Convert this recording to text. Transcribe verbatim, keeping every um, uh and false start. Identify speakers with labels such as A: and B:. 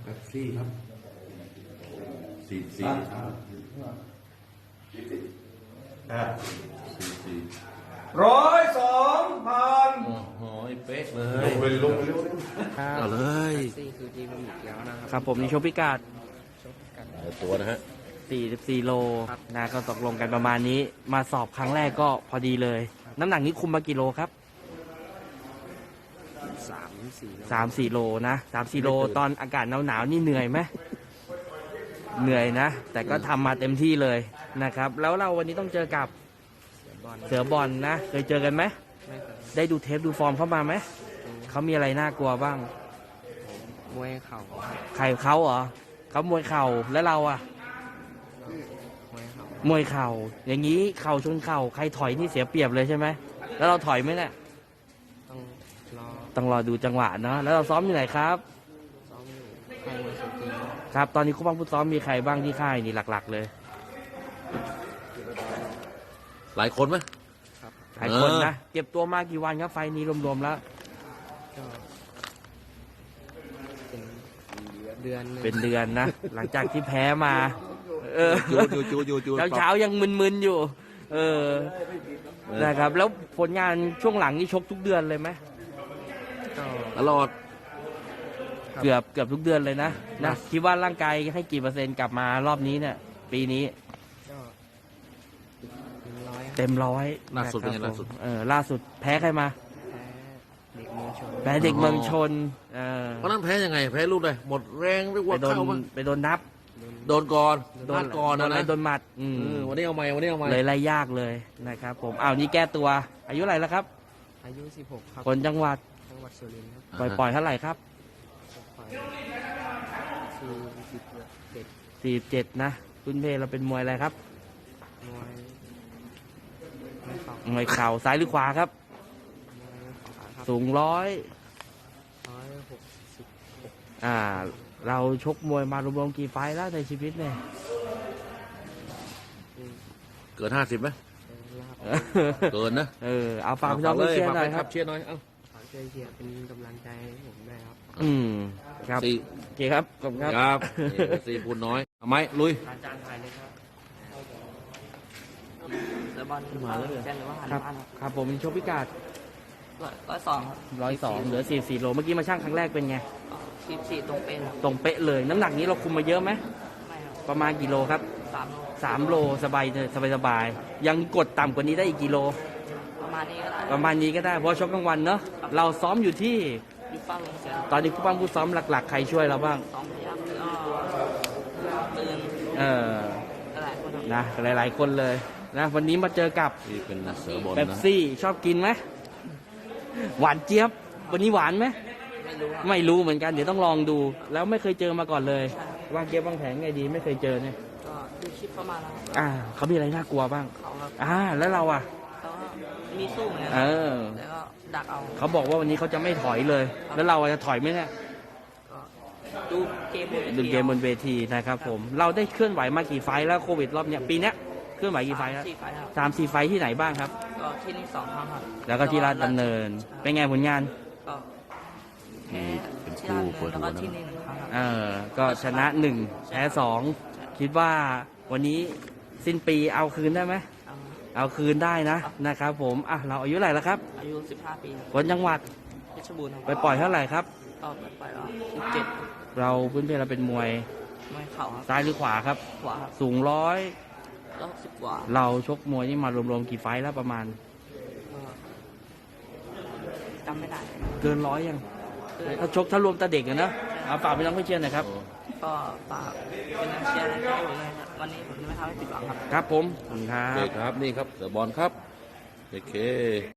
A: แป๊บซี่ครับสี่สี่อ่าสี่สี่
B: ร้อยสองพัน
A: โอ้โหเป๊ะเล
B: ล
A: ย
B: งไปลงไปเร็ว
A: เอาเลย
C: ซี่คือจีมันอีกแล้วนะครับ
D: ครับผมนี่โชว์พิกัด
C: ชกกัน
A: เอาตัวนะฮะ
D: สี่สิบสี่โลนะก็ตกลงกันประมาณนี้ มาสอบครั้งแรกก็พอดีเลย น้ำหนักนี้คุมมากี่โลครับ
C: สามสี่
D: สามสี่โลนะสามสี่โลตอนอากาศหนาวๆนี่เหนื่อยไหมเหนื่อยนะ แต่ก็ทำมาเต็มที่เลยนะครับ แล้วเราวันนี้ต้องเจอกับ
C: บอล
D: เสือบอลนะ เคยเจอกันไหม
C: ไม่เคย
D: ได้ดูเทปดูฟอร์มเข้ามาไหมเขามีอะไรน่ากลัวบ้าง
C: มวยเข่า
D: ใครเขาเหรอเขามวยเข่าแล้วเราอะ
C: มวยเข่าม
D: วยเข่าอย่างนี้เข่าชนเข่าใครถอยนี่เสียเปรียบเลยใช่ไหมแล้วเราถอยไหมเนี่ย
C: ต้องรอ
D: ต้องรอดูจังหวะเนาะแล้วเราซ้อมอยู่ไหนครับ
C: ซ้อมอยู่ค่ายมวยสุกี
D: ครับ ตอนนี้คู่บ้างผู้ซ้อมมีใครบ้างที่ค่ายนี่หลัก ๆ เลย
A: หลายคนไหม
C: ครับ
D: หลายคน
A: เออ
D: นะเก็บตัวมากี่วันครับไฟล์นี้รวมๆแล้ว
C: ก็เป็นเดือนหง
D: เป็นเดือนนะ หลังจากที่แพ้มา เออ
A: จูจูจูจูจู
D: เช้าเช้าๆยังมึนๆอยู่ เออนะครับ แล้วผลงานช่วงหลังนี่ชกทุกเดือนเลยไหม
C: ก็
A: ตลอด
D: เกือบเกือบทุกเดือนเลยนะนะคิดว่าร่างกายให้กี่เปอร์เซ็นต์กลับมารอบนี้เนี่ย ปีนี้
C: ก็เป็นร้อยครับ
D: เต็มร้อย
A: ล่าสุดเป็นไง
D: นะครับ
A: ล่าสุด
D: ผมเออล่าสุดแพ้ใครมา
C: แพ้เด็กเมืองชน
D: แพ้เด็กเมืองชนเออ
A: เพราะนั้นแพ้ยังไงแพ้ลูกเลยหมดแรงไปหัว
D: ไปโดน
A: เข้ามั้ง
D: ไปโดนนับ
A: โดนก่อน
D: โด
A: พลาน ดก่อน
D: โด
A: นะ
D: นอะไร
A: นะ
D: โดนหมัดอืม
A: เออวันนี้เอาใหม่วันนี้เอาใหม่
D: เลยไล่ยากเลยนะครับผมอ้าวนี่แก้ตัว อายุเท่าไหร่แล้วครับ
C: อายุสิบหกครับ
D: คนจังหวัด
C: จังหวัดสุรินทร์ครับ
D: ปล่อยปล่อยเท่าไหร่ครับ
C: ไปสี่สิบเจ็ด
D: สี่เจ็ดนะคุณเพเราเป็นมวยอะไรครับ
C: มวยไม่เข่าม
D: วยเข่าซ้ายหรือขวาครับ
C: มวยขวาครับ
D: สูงร้อย
C: ร้อยหกสิบ
D: อ่า เราชกมวยมารวมๆกี่ไฟล์แล้วในชีวิตเนี่ย
A: เกินห้าสิบไหม
C: ลาบ
A: เกินนะ
D: เออเอาฝากพี่น้องเชียร์หน่อย
A: ฝาก
D: ค
A: แฟ
D: รับ
A: เชียร์หน่อยเอ้า
C: ฝากช่วยเชียร์เป็นกำลังใจให้ผมด้วยครับ
D: อืมครับ
A: สี่
D: โอเคครับขอบคุณครับ
A: ครับนี่สี่พูดน้อยเอาไหมลุย
D: อาจารย์ถ่ายเลยครับ
C: แล้วบอล
D: มาแล้วเหรอ
C: แจ้งเลยว่าหัน
D: ครับ
C: บ้านครับ
D: ครับผมชกพิกัด
C: ร้อยสองครับ
D: ร้อยสองเหลือสี่สี่โลเมื่อกี้มาช่างครั้งแรกเป็นไง
C: สิบสี่ตรงเป็นครับ
D: ตรงเป๊ะเลย น้ำหนักนี้เราคุมมาเยอะไหม
C: ไม่ครับ
D: ประมาณกี่โลครับ
C: สามโล
D: สามโลสบายเลยสบายสบายยังกดต่ำกว่านี้ได้อีกกี่โล
C: ประมาณนี้ก็ได้
D: ประมาณนี้ก็ได้เพราะชกกลางวันเนาะเราซ้อมอยู่ที่
C: ยุบป้าลงเสีย
D: ตอนนี้ผู้ปั้มผู้ซ้อมหลักๆ ใครช่วยเราบ้าง
C: สองพยักแล้วก็ตื่น
D: เออ
C: หลายคนครับ
D: นะหลายๆคนเลยนะวันนี้มาเจอกับ
A: นี่เป็นเสือบอล
D: เป๊ป
A: นะ
D: ซี่ชอบกินไหมหวานเจี๊ยบ วันนี้หวานไหม
C: ไม่รู้ครับ
D: ไม่รู้เหมือนกันเดี๋ยวต้องลองดู แล้วไม่เคยเจอมาก่อนเลยวางเกมวางแผนไงดีไม่เคยเจอเนี่ย
C: ก็ดูคลิปเข้ามาแล้วครับ
D: อ่าเขามีอะไรน่ากลัวบ้าง
C: เขาครับ
D: อ่าแล้วเราอ่ะ
C: เขาก็มีสู้เหมือนกัน
D: เออ
C: แล้วก็ดักเอา
D: เขาบอกว่าวันนี้เขาจะไม่ถอยเลย แล้วเราจะถอยไหมเนี่ย
C: ก็ดูเกมบนวที
D: ดูเกมบนเวทีนะครับผม เราได้เคลื่อนไหวมากี่ไฟล์แล้วโควิดรอบเนี้ยปีเนี้ยเคลื่อนไหวกี่ไฟล์แล้ว
C: สี่ไฟล์ครับ
D: สามสี่ไฟล์ที่ไหนบ้างครับ
C: ก็ที่นี่สองครั้งครับ
D: แล้วก็ที่ราชดำเนิน เป็นไงผลงาน
C: ก็แพ้
A: เป็น
C: ที่
A: คู่
C: ราชดำ
A: เปิ
C: เนิ
A: ด
C: นแล้ว
A: หัวนะ
C: ก็ที่นี่หนึ่งครั้งครับ
D: เออ ก็ชนะหนึ่งแพ้สองคิดว่าวันนี้สิ้นปีเอาคืนได้ไหม
C: เอา
D: เอาคืนได้นะนะครับผมอ่ะเราอายุเท่าไหร่แล้วครับ
C: อายุสิบห้าปีครับ
D: คนจังหวัด
C: เพชรบูรณ์ครับ
D: ไปปล่อยเท่าไหร่ครับ
C: ก็ไปปล่อยว่าสิบเจ็ด
D: เราพื้นเพเราเป็นมวย
C: ไม่เข่าครับ
D: ซ้ายหรือขวาครับ
C: ขวาครับ
D: สูงร้อย
C: ก็สิบกว่า
D: เราชกมวยนี่มารวมๆกี่ไฟท์แล้วประมาณ
C: ก็จำไม่ได้
D: เกินร้อยยังถ้าชกถ้ารวมตาเด็กอะนะเอาฝากไปน้องเพื่อนๆหน่อยครับ
C: ก็ฝากเป็นแรงเชียร์ให้ผมเลยครับวันนี้ผมจะไม่ทำให้ผิดหวังครับ
D: ครับผมขอบคุณครั
A: โอเค
D: บ
A: ครับนี่ครับเสือบอลครับโอเค